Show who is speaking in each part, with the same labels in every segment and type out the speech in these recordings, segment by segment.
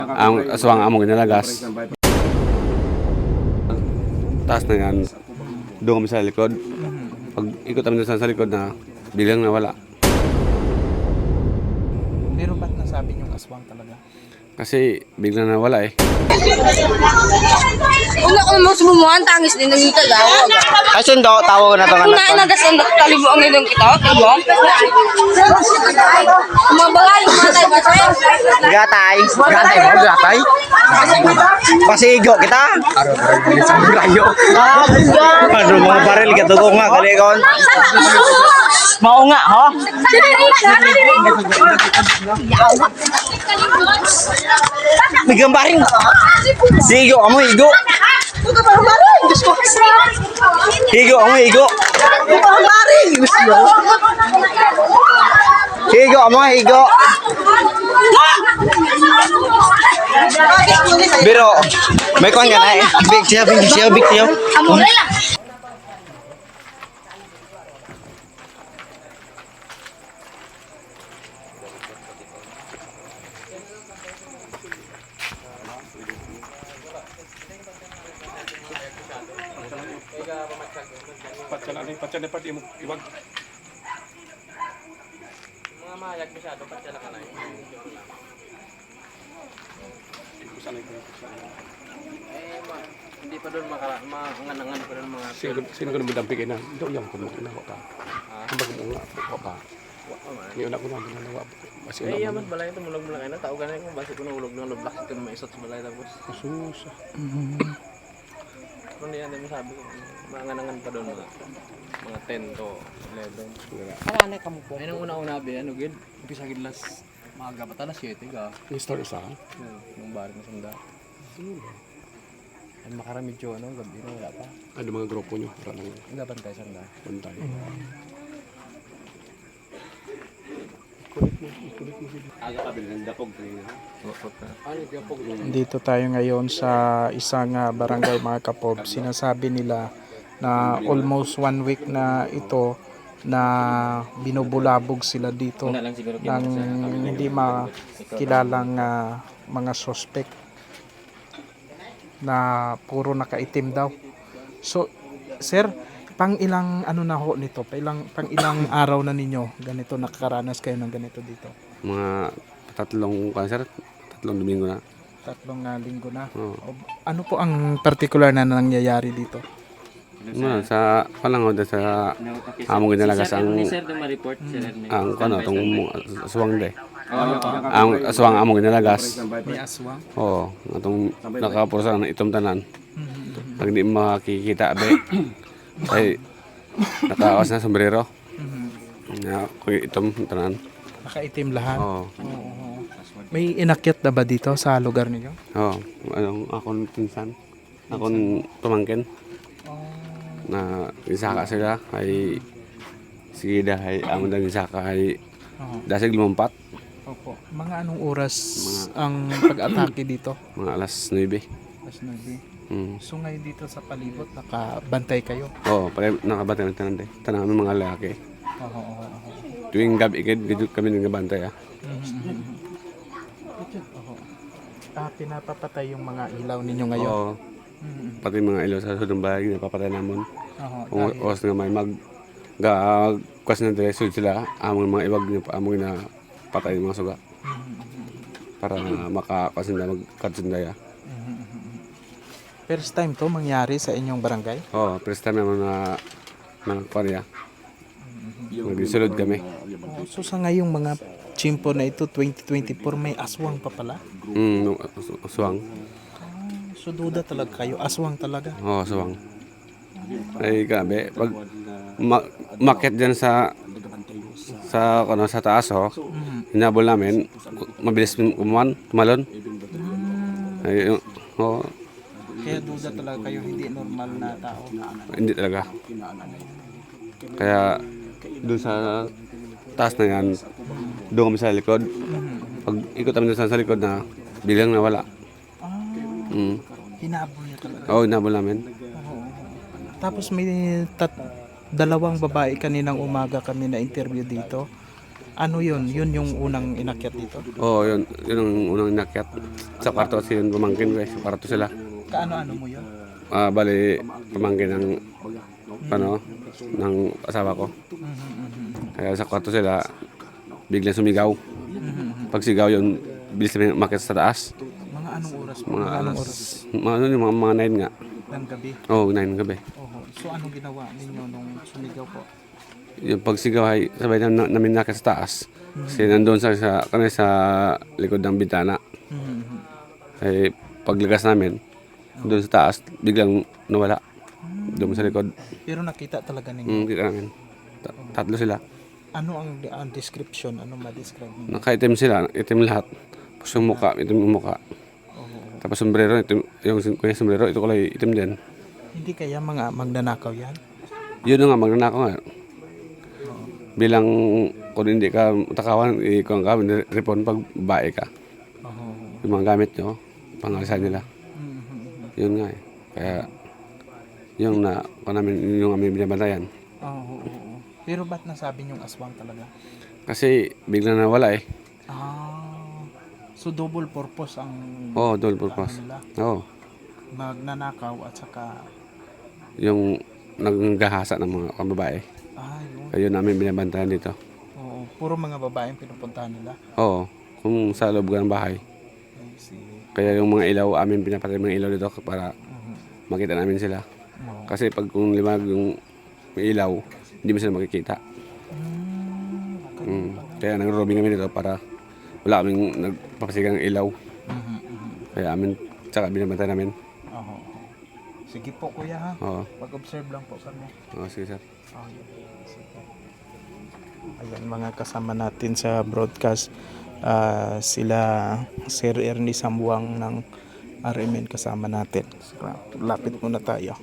Speaker 1: Ang aswang among ginalagas. Taas na yan. Doon kami sa likod. Pag ikot kami sa likod na bilang nawala.
Speaker 2: Pero ba't nasabi niyong aswang talaga?
Speaker 1: Kasi biglang nawala eh.
Speaker 3: Una ko naman sumumuhan, tangis din ng ikagawa.
Speaker 4: Ay, sundo, tawo na to nga
Speaker 3: Kung
Speaker 4: na to.
Speaker 3: nainagas ang kalibo ang ilong kita, kalibo. Mabalay, matay ba tayo?
Speaker 4: Gatay. Gatay mo, gatay. Pasigo kita.
Speaker 1: Rayo.
Speaker 4: Ano mga baril ka tugo nga kalikon. Mao nga, ho? May gambaring. Sigo, amo higo. Higo, amo higo. Higo, amo higo. Biro, may kwan ka na eh. Big siya, big siya, big siya.
Speaker 3: Amore lang.
Speaker 1: Patsa dapat iwag.
Speaker 4: Mga mayag masyado, patsa lang ka na eh. Hindi pa doon manganangan pa doon mga...
Speaker 1: Sino ko naman dampigin na? Ito yung kumakunawa ka. Ang bago mo ka. Ngayon ako naman nalawa.
Speaker 4: Eh, yaman balay ito, mulog mo lang kayo na. Tao ka na yung basi ko na ulog ng lublak. Ito na maisot sa balay tapos.
Speaker 1: Asusa.
Speaker 4: Kung hindi yan, sabi ko, manganangan pa doon mga 10 to 11.
Speaker 2: Karanay ka mo po.
Speaker 4: Ay, nung una-una, ano, gid? Umpisa gid las maaga pa talas 7 ka.
Speaker 1: Yung story sa
Speaker 4: Yung bar na sanda. Ay, makaramidyo, ano, gabi na wala pa.
Speaker 1: ano mga grupo nyo? Para lang
Speaker 4: Ang gaban tayo sanda.
Speaker 1: pantay. Aga ka bilang dapog kanina. Ano dapog?
Speaker 2: Dito tayo ngayon sa isang barangay mga kapob. Sinasabi nila na almost 1 week na ito na binubulabog sila dito ng hindi makilalang mga suspect na puro nakaitim daw. So, sir, pang ilang ano na ho nito? Pang ilang araw na ninyo ganito nakakaranas kayo ng ganito dito?
Speaker 1: Mga tatlong cancer, tatlong domingo na.
Speaker 2: 3 linggo na.
Speaker 1: Oo.
Speaker 2: Ano po ang particular na nangyayari dito?
Speaker 1: Ano, sa panahon sa among ginalagas ang tong aswang de. Ang aswang among ginalagas.
Speaker 2: May aswang?
Speaker 1: Oo, atong nakapursa ng itom tanan. Pag di makikita be. Ay nakawas na sombrero. Na ko itom tanan.
Speaker 2: Nakaitim lahat?
Speaker 1: Oo.
Speaker 2: May inakyat na ba dito sa lugar ninyo?
Speaker 1: Oo, anong akong pinsan. Akong tumangkin. Na isaka sila ay sige dahay amon lang isaka ay dasig lumampat
Speaker 2: Opo. Mga anong oras ang pag-atake dito?
Speaker 1: mga alas 9.
Speaker 2: Alas 9.
Speaker 1: Mm.
Speaker 2: So ngayon dito sa palibot nakabantay kayo?
Speaker 1: Oo, pare nakabantay ng tanan de. Tanang aming mga lalaki.
Speaker 2: Oo.
Speaker 1: Tuwing gabi gid kami nagabantay ah.
Speaker 2: Pinapapatay yung mga ilaw ninyo ngayon?
Speaker 1: Oo. Pati mga ilaw sa sudong bahay napapatay namon. Kung oras nga may kwas na diretso sila among mga iwag niya among na patay mga suga. Para makakwas na magkatsundaya.
Speaker 2: First time to mangyari sa inyong barangay?
Speaker 1: Oo, first time naman na Korea. Nagsulod kami.
Speaker 2: So sa ngayong mga chimpo na ito 2024 may aswang pa pala?
Speaker 1: Aswang.
Speaker 2: So duda talaga kayo, aswang talaga?
Speaker 1: Oo, aswang. Ay grabe, pag market dyan sa taas hinabol namin, mabilis tumalon. Ay,
Speaker 2: Kaya duda talaga kayo, hindi normal na tao?
Speaker 1: hindi talaga. Kaya doon sa taas na yan, doon kami sa likod. Pag ikot kami sa likod na bilang nawala.
Speaker 2: Hinabol niya talaga?
Speaker 1: Oo, hinabol namin.
Speaker 2: Tapos may dalawang babae kaninang umaga kami na interview dito. Ano yun? Yun yung unang inakyat dito?
Speaker 1: Oo, yun ang unang inakyat. Sa kwarto kasi yun pamangkin ko eh. Sa kwarto sila.
Speaker 2: Kaano-ano mo yun?
Speaker 1: Bali, pamangkin ng, ng asawa ko. Kaya sa kwarto sila, biglang sumigaw. Pag sigaw yun, bilis namin umakyat sa taas.
Speaker 2: Mga anong oras po?
Speaker 1: Mga
Speaker 2: Anong
Speaker 1: alas,
Speaker 2: oras
Speaker 1: mga 9 nga.
Speaker 2: ng gabi?
Speaker 1: Oo, 9 ng gabi.
Speaker 2: Oho. So anong ginawa ninyo nung sumigaw po?
Speaker 1: Yung pagsigaw ay sabay namin nakyat sa taas. Kasi nandun sa likod ng bintana. Ay paglagas namin, doon sa taas, biglang nawala. Doon sa likod.
Speaker 2: Pero nakita talaga ninyo.
Speaker 1: Kita namin. Tatlo sila.
Speaker 2: Ano ang description? Ano ma-describe ninyo?
Speaker 1: Naka-itim sila, itim lahat. Tapos yung muka, itim yung muka. Tapos sombrero, itim, yung sombrero, ito kulay itim din.
Speaker 2: Hindi kaya mga magnanakaw yan?
Speaker 1: Yun na nga, magnanakaw nga. Bilang kung hindi ka takawan, kung ka, ripon pag bae ka. Yung mga gamit nyo, pangalisan nila. Yun nga eh. Kaya, yung aming binabantayan.
Speaker 2: Oo. Pero ba't nasabi niyong aswang talaga?
Speaker 1: Kasi biglang nawala eh.
Speaker 2: So double purpose ang
Speaker 1: Oo, double purpose.
Speaker 2: nila.
Speaker 1: Oo.
Speaker 2: Magnanakaw at saka
Speaker 1: Yung naggahasa ng mga babae.
Speaker 2: yun.
Speaker 1: Kaya yun namin binabantayan dito.
Speaker 2: Oo, puro mga babaeng pinupuntahan nila.
Speaker 1: Oo, kung sa loob ng bahay.
Speaker 2: I see.
Speaker 1: Kaya yung mga ilaw, amin pinapatay mga ilaw dito para makita namin sila. Kasi pag kung limag yung may ilaw, hindi mo sila makikita. Kaya nag-roaming kami dito para wala kaming nagpapasigang ilaw. Kaya amin, tsaka binabantay namin.
Speaker 2: Oo. Sige po kuya ha.
Speaker 1: Oo,
Speaker 2: Mag-observe lang po kami.
Speaker 1: sige sir.
Speaker 2: Ayan mga kasama natin sa broadcast. Sila Sir Ernie Sambuang ng RMN kasama natin. Lapit muna tayo.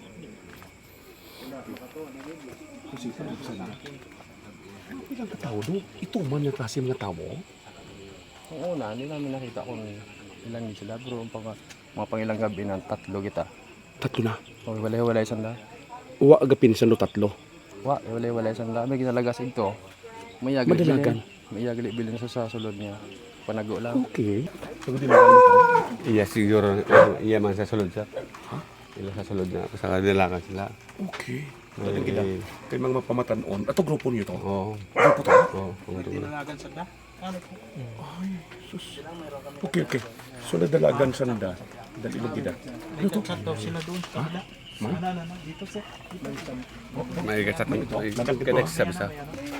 Speaker 1: Ilang katao do? Ito man yung klase mga tao?
Speaker 5: Ang una, hindi namin nakita kung ilan din sila bro. Mga pangilang gabi na tatlo kita.
Speaker 1: Tatlo na.
Speaker 5: O walay-walay sanda.
Speaker 1: Uwa agapin sa tatlo.
Speaker 5: Walay-walay sanda. May ginalagas ito. May
Speaker 1: Madalagan.
Speaker 5: May yagli bilin sa sulod niya. Panago lang.
Speaker 1: Okay. Iya siguro, iya man sa sulod siya. Ha? Iya sa sulod na, sa kadilakan sila.
Speaker 6: Okay.
Speaker 1: Eh,
Speaker 6: Kay mga pamatanon. Ato grupo niyo to.
Speaker 1: Oo.
Speaker 6: Grupo to.
Speaker 1: Oo, ang dulo.
Speaker 2: Tinalagan sa da? Ano po?
Speaker 6: Sus. Okay. So nadalagan sanda. Dali magida.
Speaker 2: May chat daw sila doon sa kabila. Ano, dito sir.
Speaker 1: May kachat ng ito. Kaya sabi sa.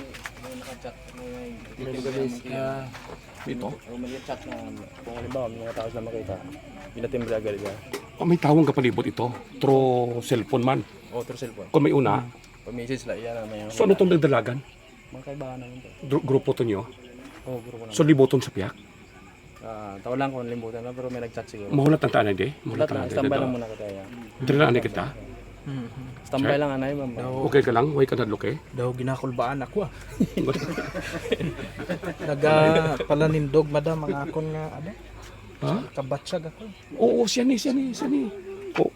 Speaker 6: Ito.
Speaker 5: May chat na kung halimbawa may mga tao sila makita. Pinatimbre agad niya.
Speaker 6: May tawang kapalibot ito. Through cellphone man.
Speaker 5: O, through cellphone.
Speaker 6: Kung may una.
Speaker 5: Pag message sila, iyan na may
Speaker 6: So ano itong nagdalagan?
Speaker 5: mga kaibahan namin to.
Speaker 6: Grupo to nyo.
Speaker 5: Oo, grupo namin.
Speaker 6: So liboton sa piyak.
Speaker 5: Tawa lang kung limbutan na pero may nag-chat siguro.
Speaker 6: Mahulat ang taanay di.
Speaker 5: Lahat lang, standby lang muna ka tayo.
Speaker 6: Dili na anay kita.
Speaker 5: Standby lang anay, ma'am.
Speaker 6: Okay ka lang. Huwag ka nadloke.
Speaker 2: Daw ginakulbaan ako Nagpalanindog madam ang akon nga ano?
Speaker 6: Ha?
Speaker 2: Kabatsyag ako.
Speaker 6: Oo, siya ni. Oo.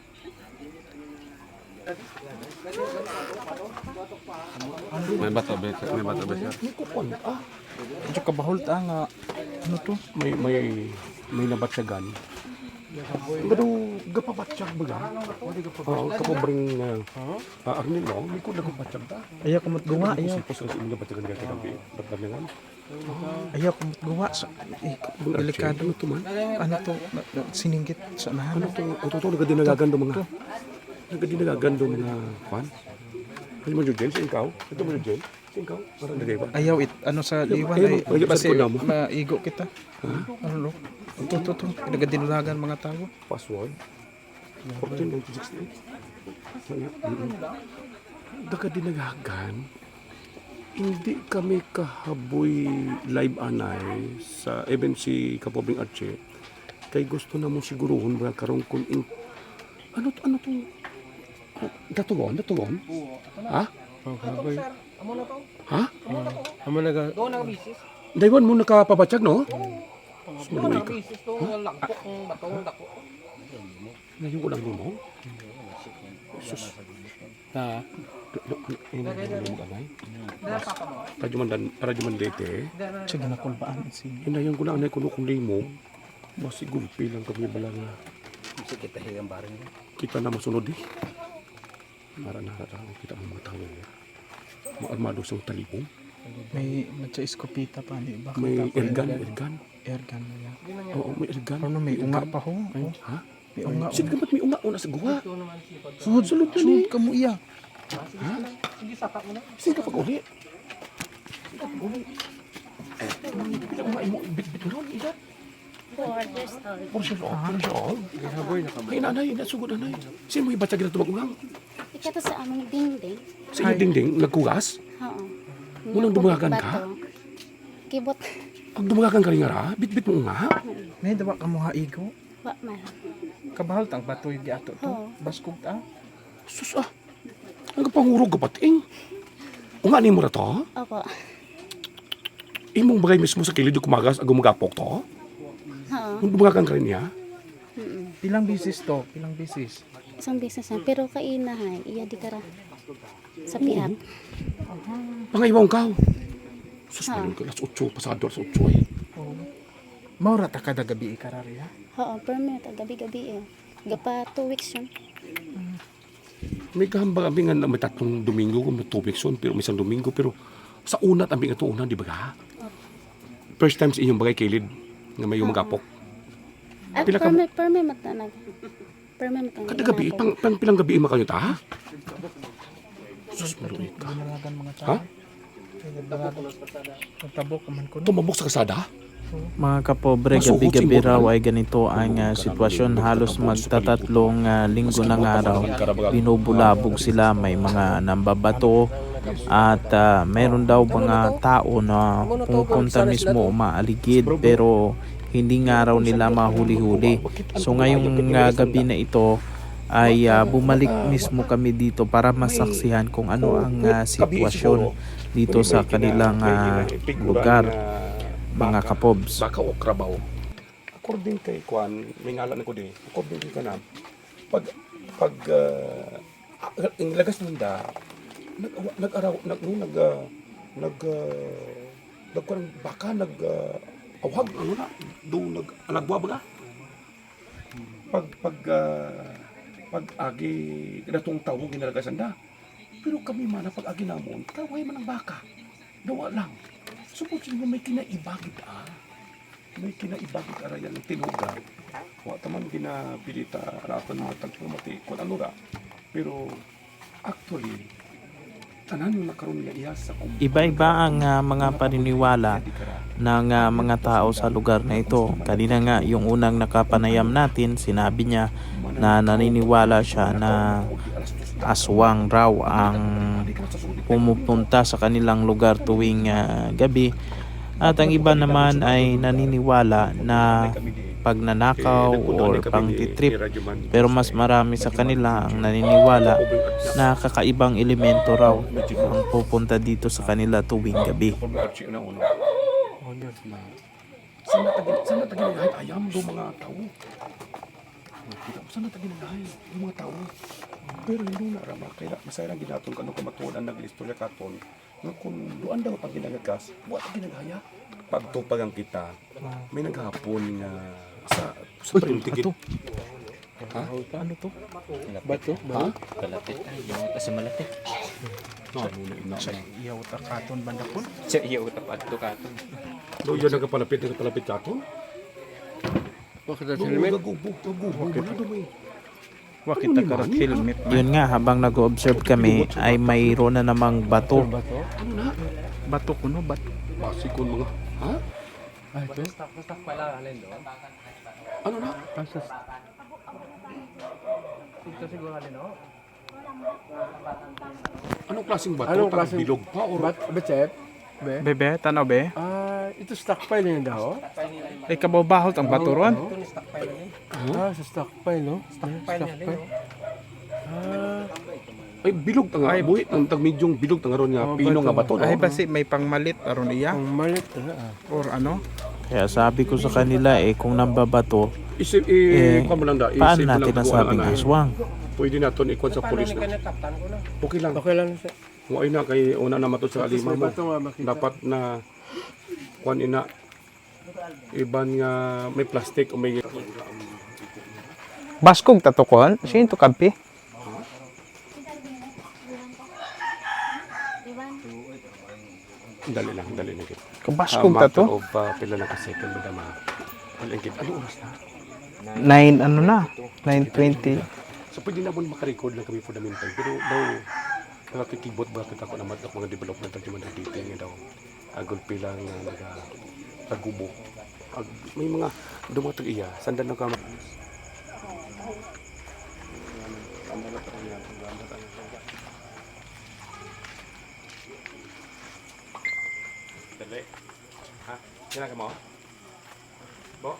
Speaker 1: May bato ba siya?
Speaker 6: May kupon.
Speaker 2: Medyo kabahol ta nga ano to?
Speaker 6: May nabatsyagan. Pero gapabatsyag ba ga? Oo, kapobring Arnil mo, may kung nagabatsyag ta.
Speaker 2: Ayaw kumot guwa, ayaw.
Speaker 6: Sipos kasi yung nabatsyagan ka kagabi. Batbanyangan.
Speaker 2: Ayaw kumot guwa. Delikado.
Speaker 6: Ano to man?
Speaker 2: Ano to? Siningit sa
Speaker 6: Ano
Speaker 2: nahan.
Speaker 6: to? Ito nagadinagagando mga. Nagadinagagando mga kwan. Ano mo yung jail? Sa ikaw? Ito mo yung jail? Sa ikaw? Parang nagay ba?
Speaker 2: Ayaw ano sa liwan
Speaker 6: Ayaw,
Speaker 2: ay
Speaker 6: ayaw,
Speaker 2: kasi
Speaker 6: ayaw, ayaw,
Speaker 2: maigo kita. Ano lo? Ito. Nagadinulagan mga tao.
Speaker 6: Password. 14,968. Nagadinagagan. Hindi kami kahaboy live anay sa even si Kapobing Arche. Kay gusto na mo siguruhon mga karong kung ano to? Datugon? Ha? Ha?
Speaker 2: Amo naga
Speaker 6: Daywan mo nakapabatsyag, no? Sumaluwi ka. Ngayon ko lang mo? Sus.
Speaker 2: ha
Speaker 6: Radyo man dete.
Speaker 2: Siya ginakulbaan si
Speaker 6: Hinayang ko na anay kuno kung limo. Masigulpi lang kami balanga. Kita na masunod eh. Nara kita ang mga tao. Maarmado sa talibong.
Speaker 2: may matsa iskopita pa ni bakit
Speaker 6: May
Speaker 2: ako
Speaker 6: ergan.
Speaker 2: ergan na yan.
Speaker 6: Oo, may ergan.
Speaker 2: Ano may unga pa ho? Oh,
Speaker 6: Ha?
Speaker 2: may unga.
Speaker 6: Sige ba't may unga una sa guha?
Speaker 2: Sunod ka mo iya.
Speaker 6: Sige ka pag-uli. Pila unga imo bit-bit mo ron, ida?
Speaker 3: 4 years old.
Speaker 6: 4 years old. 4 years old. Ay, nanay, nasugod nanay. Sino mo ibatsa gina tumag-ungang?
Speaker 7: Ikato sa aming dingding.
Speaker 6: Sa iyo dingding, nagkugas?
Speaker 7: Oo.
Speaker 6: Munang dumagan ka?
Speaker 7: Bato. Kibot.
Speaker 6: Pag dumagan ka rin nga ra, bit-bit mo nga.
Speaker 2: May dawa ka mo haigo.
Speaker 7: Wa man.
Speaker 2: Kabahal tang batoy di ato to.
Speaker 7: Oo.
Speaker 2: Baskog ta.
Speaker 6: Sus ah. Ang pangurog ka pating. Unga ni mo na to?
Speaker 7: Opo.
Speaker 6: Imong bagay mismo sa kilid kumagas ag magapok to?
Speaker 7: Oo.
Speaker 6: Kung dumagan ka rin niya?
Speaker 2: Pilang bisis to? Pilang bisis?
Speaker 7: Isang business na. Pero kainahay. Iya di kara. Sa piat.
Speaker 6: Pangayawang ka. Sus, mayroon ka. Alas 8, pasado alas 8 eh.
Speaker 2: Maura ta kada gabi ikarari ha.
Speaker 7: Oo. Permanent. Gabi-gabi eh. Gapa 2 weeks yun.
Speaker 6: May kahambang kami nga na may 3 Domingo, kung may 2 weeks yun, pero may isang Domingo, pero sa unat, aming ito una, di ba ka? First time sa inyong bagay kilid, nga may magapok.
Speaker 7: Ah,
Speaker 6: Pila ka-
Speaker 7: permanent matanag. Permanent matanag.
Speaker 6: Kada gabi, pang pilang gabi makayo ta? Sus, maluit ka.
Speaker 2: Binaragan mga tao.
Speaker 6: Ha?
Speaker 2: Nagtabok man ko no.
Speaker 6: Tumabok sa kasada?
Speaker 2: Mga kapobre,
Speaker 6: Masuot
Speaker 2: gabi-gabi
Speaker 6: siguro,
Speaker 2: raw
Speaker 6: no?
Speaker 2: ay ganito ang sitwasyon. Halos magtatatlong linggo ng araw. Binubulabog sila, may mga nambabato at mayroon daw mga tao na pumupunta mismo umaaligid pero hindi nga raw nila mahuli-huli. So ngayong gabi na ito ay bumalik mismo kami dito para masaksihan kung ano ang sitwasyon dito sa kanilang lugar, mga kapobs.
Speaker 6: Baka o krabaw. According kay Kwan, may ngalan ko di. According kay Kanam, pag ang lagas nila, baka awag ano na do nagbuwa ba pag agi datong tawo ginalagasan da, pero kami man pag agi namon kaway man ang baka dawa lang suppose mo may kinaibagit may kinaibagit arayan ng tinuga wa taman ginapilita raton mga tagpumati kung ano ra, pero actually tanan yung nakaroon nga iya sa
Speaker 2: Iba-iba ang mga paniniwala ng mga tao sa lugar na ito. Kanina nga, yung unang nakapanayam natin, sinabi niya na naniniwala siya na aswang raw ang pumupunta sa kanilang lugar tuwing gabi. At ang iba naman ay naniniwala na pagnanakaw or pang-trip. Pero mas marami sa kanila ang naniniwala na kakaibang elemento raw ang pupunta dito sa kanila tuwing gabi.
Speaker 6: Sana taginagahay ayam do mga tao. Kita ko sana taginagahay do mga tao. Pero hindi na rama kaya masaya lang ginaton kanu kamatuan naglistorya katon. Nga kung doan daw pag ginagagas, wa ginagaya. Pagtupag ang kita. May naghapon nga sa printigit. Ha?
Speaker 2: Ano to? Bato?
Speaker 6: Ha?
Speaker 4: Kalapit tayo. Yung kasi malapit.
Speaker 2: Sa iyaw takaton bandakon?
Speaker 4: Sa iyo tapat to katon.
Speaker 6: Do yun nagapalapit katon.
Speaker 5: Bakit
Speaker 6: Do gagubo wala do may.
Speaker 2: Wakita karat helmet. Yun nga, habang nag-observe kami ay mayroon na namang bato.
Speaker 6: Ano na?
Speaker 2: Bato kuno, bato.
Speaker 6: Basikon mga. Ha?
Speaker 5: ito?
Speaker 6: Ano na? Anong klaseng bato?
Speaker 5: Anong klaseng-
Speaker 6: Bilog pa or
Speaker 5: Bechep? Be?
Speaker 2: Bebe, tanaw be?
Speaker 5: Ito stockpile yun daw.
Speaker 2: Ay kababahot ang bato ron.
Speaker 5: Sa stockpile, no? Stockpile.
Speaker 6: ay bilog tanga buhit ng tagmedyong bilog tanga ron nga pino nga bato no.
Speaker 2: Ay basi may pangmalit aron iya
Speaker 5: Ang malit na
Speaker 2: or ano? Kaya sabi ko sa kanila kung nambabato
Speaker 6: Kuwan mo lang da.
Speaker 2: Paano
Speaker 6: isip mo
Speaker 2: natin
Speaker 6: lang kung
Speaker 2: nasabing
Speaker 6: ano,
Speaker 2: aswang?
Speaker 6: Pwede natin ikuan sa pulis na. Okay lang.
Speaker 5: Okay lang siya.
Speaker 6: Kung ay na kay una na mato sa alima mo. Dapat na kuan ina iban nga may plastic o may
Speaker 2: Baskog tatukon? Sino to kampi?
Speaker 6: dali lang kit.
Speaker 2: Kabaskog ta to?
Speaker 6: Of pila lang ka second mo dama. Palengkit. Ano oras na?
Speaker 2: 9 ano na? 9:20.
Speaker 6: So pwede na mo makarecord lang kami fundamental. Pero daw nakakikibot ba kita ko naman ang mga developmental di man dito nga daw. Agol pila nga nagubo. May mga dumatag iya. Sandan na ka. Dali. Ha? Kailangan mo? Bo?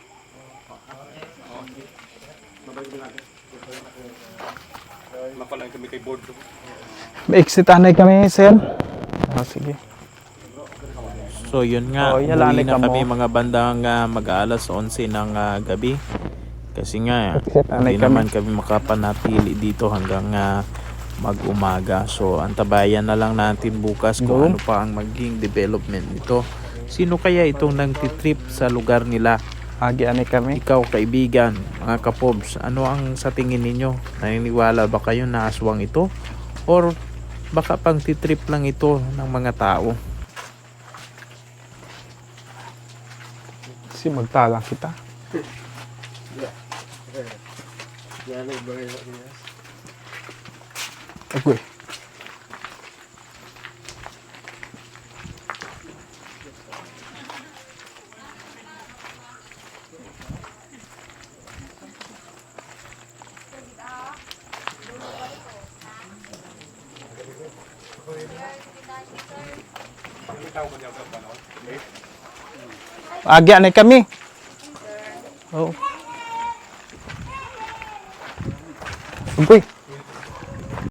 Speaker 6: Mapalang kami kay board.
Speaker 2: Exitahan kami, sir. Sige. So yun nga,
Speaker 4: Oh, yala
Speaker 2: umuwi
Speaker 4: na
Speaker 2: na
Speaker 4: ka
Speaker 2: kami
Speaker 4: mo.
Speaker 2: mga bandang mag-aalas 11 ng gabi. Kasi nga,
Speaker 4: Exitahan
Speaker 2: hindi
Speaker 4: kami.
Speaker 2: naman kami makapanatili dito hanggang mag-umaga. So antabayan na lang natin bukas kung ano pa ang maging development nito. Sino kaya itong nagtitrip sa lugar nila?
Speaker 4: Agi ani kami.
Speaker 2: Ikaw kaibigan, mga kapobs, ano ang sa tingin ninyo? Naniniwala ba kayo na aswang ito? Or baka pang titrip lang ito ng mga tao?
Speaker 4: Si magtalang kita. Agoy. Agi ani kami. Oh. Agoy.